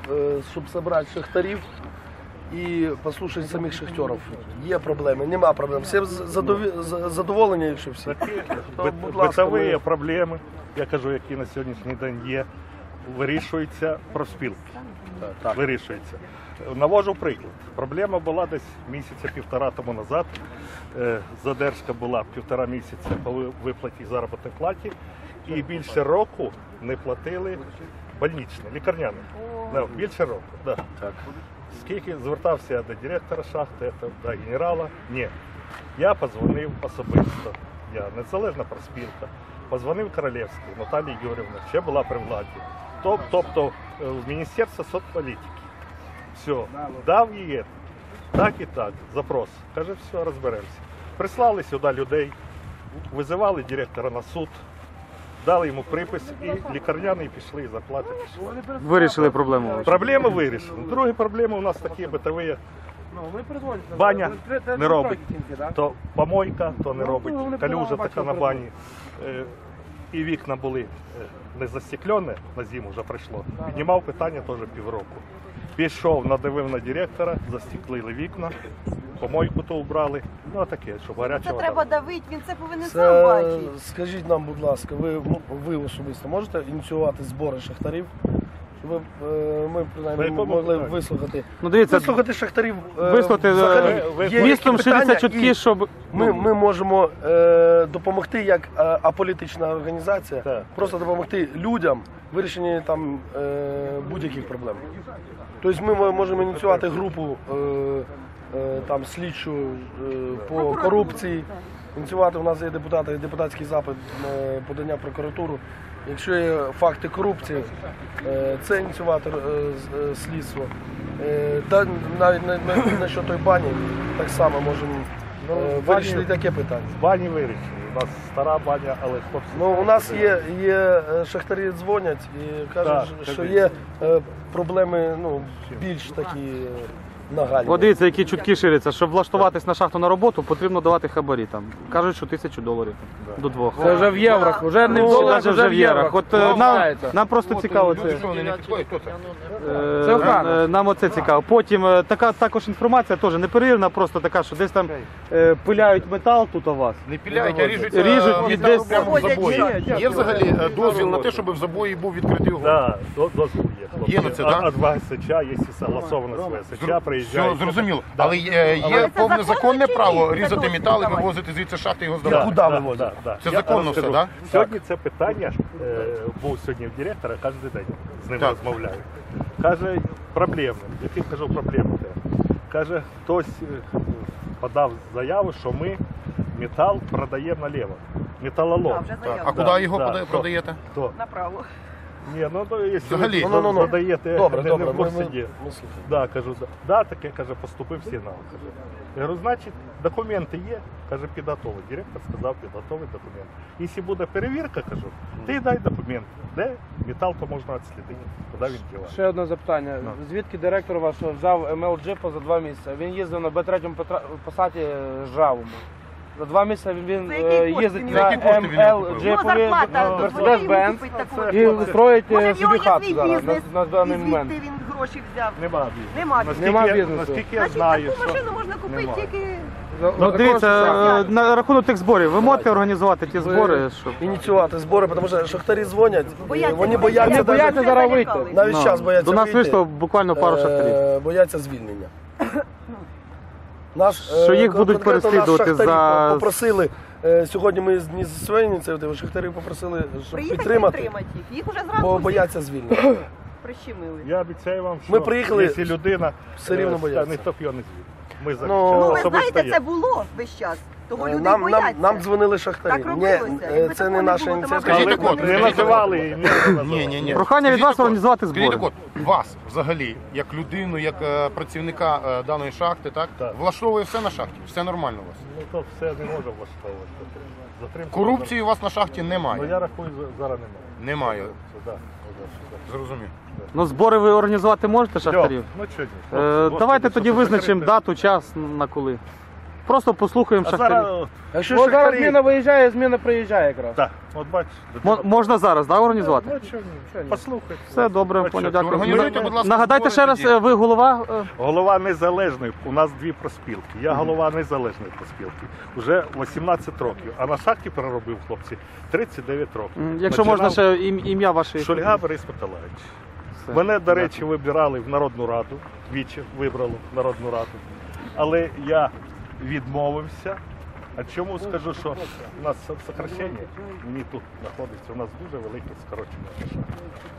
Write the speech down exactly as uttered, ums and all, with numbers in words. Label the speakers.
Speaker 1: щоб зібрати шахтарів і послухати самих шахтерів. Є проблеми, нема проблем. Всі задоволені, якщо всі.
Speaker 2: Битові проблеми, я кажу, які на сьогоднішній день є, вирішуються профспілки. Так. Вирішується. Навожу приклад. Проблема була десь місяця-півтора тому назад. Задержка була півтора місяця по виплаті заробітної плати. І більше року не платили больничне, лікарняне. No, більше року. Да. Так. Скільки звертався до директора шахти, до генерала? Ні. Я подзвонив особисто. Я незалежна профспілка. Подзвонив Королевській Наталії Юрівні, ще була при владі. Тобто в Міністерство соцполітики. Все, дав їй так і так, запрос. Каже, все, розберемося. Прислали сюди людей, визивали директора на суд, дали йому припис і лікарняний пішли, і зарплати пішли.
Speaker 3: Вирішили проблему?
Speaker 2: Проблеми вирішили. Другі проблеми у нас такі битові. Баня не робить, то помойка, то не робить, калюжа така на бані. І вікна були не застеклені, на зиму вже прийшло. Піднімав питання теж півроку. Пішов, надавив на директора, застеклили вікна, помойку то убрали. Ну а таке, щоб гаряча вода.
Speaker 4: Це треба давити, він це повинен сам бачити.
Speaker 1: Скажіть нам, будь ласка, ви, ви особисто можете ініціювати збори шахтарів? Щоб ми, принаймні, могли вислухати.
Speaker 3: Ну, дивіться,
Speaker 1: вислухати шахтарів.
Speaker 3: Вислухати містом ширяться чутки, щоб...
Speaker 1: Ми, ми можемо е, допомогти як е, аполітична організація,
Speaker 2: так,
Speaker 1: просто допомогти людям в вирішенні там е, будь-яких проблем. Тобто ми можемо ініціювати групу е, е, там, слідчу е, по корупції, ініціювати, у нас є депутати, депутатський запит, е, подання в прокуратуру. Якщо є факти корупції, е, це ініціювати е, слідство. Е, да, навіть на, на, на що той бані так само можемо е, вирішити таке питання.
Speaker 2: Бані вирішили. У нас стара баня, але хлопці...
Speaker 1: Ну, у нас є, є шахтарі дзвонять і кажуть, так, що є е, проблеми, ну, більш такі нагальні.
Speaker 3: От дивіться, які чутки ширяться. Щоб влаштуватись на шахту на роботу, потрібно давати хабарі. Там. Кажуть, що тисячу доларів да. до двох.
Speaker 5: Це вже в єврах, вже не в доларах,
Speaker 3: вже в єврах. От
Speaker 5: ну,
Speaker 3: нам, нам просто цікаво це. Це охрана. Нам оце цікаво. Потім така також інформація теж не перевірена, просто така, що десь там е, пиляють метал тут у вас.
Speaker 6: Не пиляють, а ріжуть,
Speaker 3: ріжуть
Speaker 6: і десь прямо в забої. Є взагалі дозвіл на те, щоб в забої був відкритий огонь?
Speaker 2: Так, дозвіл є.
Speaker 6: Є на це, так?
Speaker 2: От ВСЧ, якщо согласовано з ВСЧ, приїжджає.
Speaker 6: Все зрозуміло. Але є, є повне законне право різати метал і вивозити звідси шахти і його здавати.
Speaker 1: Куди вивозити?
Speaker 2: Да, да.
Speaker 6: Це законно все, так?
Speaker 2: Сьогодні це питання, е, був сьогодні в директора, кожен день з ним
Speaker 6: так.
Speaker 2: розмовляю. Каже, проблеми. Які, кажу, проблеми? Каже, хтось подав заяву, що ми метал продаємо наліво. Металолом.
Speaker 6: А, а куди да, його да, продаєте?
Speaker 2: Хто?
Speaker 4: Направо.
Speaker 2: Ні, ну якщо
Speaker 6: взагалі,
Speaker 2: ви
Speaker 1: ну, ну, ну.
Speaker 2: продаєте,
Speaker 1: добре,
Speaker 2: не,
Speaker 1: добре,
Speaker 2: не в курсі
Speaker 1: ми,
Speaker 2: є.
Speaker 1: ми,
Speaker 2: да, кажу, да, да, таке, каже, поступив сигнал. Каже. Я говорю, значить, документи є, каже, підготовий. Директор сказав, підготовий документ. Якщо буде перевірка, кажу, ти дай документ, де метал, то можна відслідити, куди він діває.
Speaker 5: Ще одне запитання. No. Звідки директор ваш взяв ем ел джипа за два місяці? Він їздив на Б три Пасаті жавому. За два місяці він е, їздить на ем ел джипові Мерседес-Бенц і строїть собі хату зараз на, на даний момент.
Speaker 4: Звідти він гроші взяв.
Speaker 2: Нема бізнесу.
Speaker 4: Нема бізнесу.
Speaker 2: Наскільки,
Speaker 5: Нема бізнесу.
Speaker 2: наскільки я
Speaker 4: Значить,
Speaker 2: знаю,
Speaker 4: таку
Speaker 2: що...
Speaker 4: машину можна купити
Speaker 2: Нема.
Speaker 4: тільки...
Speaker 3: Ну, дивіться, на рахунок тих зборів, ви можете організувати ті збори, щоб...
Speaker 1: Ініціювати збори, тому що шахтарі дзвонять,
Speaker 4: Бояться,
Speaker 1: вони
Speaker 4: бояться.
Speaker 1: бояться,
Speaker 5: Вони бояться
Speaker 1: навіть,
Speaker 5: зараз вийти.
Speaker 1: навіть зараз бояться
Speaker 3: До нас
Speaker 1: вийти.
Speaker 3: вийшло буквально пару шахтарів.
Speaker 1: Е, бояться звільнення. Нас,
Speaker 3: Що
Speaker 1: е,
Speaker 3: їх будуть
Speaker 1: конкретно нас
Speaker 3: переслідувати
Speaker 1: шахтарі
Speaker 3: за...
Speaker 1: попросили, е, сьогодні ми не зі своєї ініціативи, шахтарі попросили, щоб
Speaker 4: Приїхати
Speaker 1: підтримати,
Speaker 4: підтримати їх. Їх уже
Speaker 1: бо
Speaker 4: зранку всіх
Speaker 1: бояться звільнення.
Speaker 4: прищемили.
Speaker 2: Я обіцяю вам, що
Speaker 1: Ми приїхали,
Speaker 2: якщо людина
Speaker 1: все рівно бояться.
Speaker 2: ніхто б його не звів. Ми за
Speaker 1: Ну,
Speaker 4: Ну, ви
Speaker 2: особисто
Speaker 4: знаєте,
Speaker 2: є.
Speaker 4: це було весь час. Того люди
Speaker 1: Нам,
Speaker 4: бояться.
Speaker 1: нам, нам дзвонили шахтарі.
Speaker 4: Так
Speaker 1: Ні,
Speaker 4: робилося.
Speaker 1: е,
Speaker 4: Якби
Speaker 1: це
Speaker 4: такого
Speaker 1: не
Speaker 4: не
Speaker 1: наша
Speaker 4: було, то,
Speaker 1: ініціатива.
Speaker 6: Скажіть,
Speaker 2: Але
Speaker 6: так от,
Speaker 2: не
Speaker 6: скажіть,
Speaker 2: називали і не називали.
Speaker 6: Ні, ні, ні.
Speaker 3: Прохання від вас організувати
Speaker 6: Скажіть,
Speaker 3: збори.
Speaker 6: так от, вас взагалі, як людину, як е, працівника е, даної шахти, так,
Speaker 2: Так.
Speaker 6: влаштовує все на шахті? Все нормально у вас?
Speaker 2: Ну то все не може влаштовувати. Затримка.
Speaker 6: Корупції у вас на шахті
Speaker 2: Ну
Speaker 6: немає?
Speaker 2: я рахую, за- зараз немає.
Speaker 6: Немає.
Speaker 2: Це, да, да, да.
Speaker 6: Зрозумів.
Speaker 3: Ну, збори ви організувати можете, шахтарів?
Speaker 2: Ну чого ні?
Speaker 3: Е,
Speaker 2: Хлопці,
Speaker 3: давайте
Speaker 2: господи,
Speaker 3: тоді
Speaker 2: щоб
Speaker 3: визначимо
Speaker 2: закрити.
Speaker 3: дату, час, на коли. Просто послухаємо
Speaker 2: А
Speaker 3: шахтарів.
Speaker 2: зараз,
Speaker 1: Якщо
Speaker 5: От зараз
Speaker 1: шахтарі-
Speaker 5: зміна виїжджає, зміна приїжджає якраз.
Speaker 2: так, от бачиш.
Speaker 3: Мо- Можна зараз, да, організувати?
Speaker 2: Ну, чого ні? Послухай.
Speaker 3: Все добре,
Speaker 2: Ну,
Speaker 3: понял,
Speaker 2: що,
Speaker 3: дякую.
Speaker 6: організуйте, будь ласка,
Speaker 3: Нагадайте ще
Speaker 6: збори
Speaker 3: раз,
Speaker 6: тоді.
Speaker 3: е, ви голова. е,
Speaker 2: Голова незалежний, у нас дві проспілки. Я голова незалежної проспілки. Уже вісімнадцять років. А на шахті переробив хлопці тридцять дев'ять років.
Speaker 3: м, Якщо можна
Speaker 2: Починав
Speaker 3: ще ім- ім'я ваше.
Speaker 2: Шульга Борис Миколаївич.
Speaker 3: Все.
Speaker 2: Мене, до речі, вибирали в Народну Раду, двічі вибрали в Народну Раду. Але я відмовився. А чому скажу, що у нас сокращення, мені тут знаходиться, у нас дуже велике скорочення.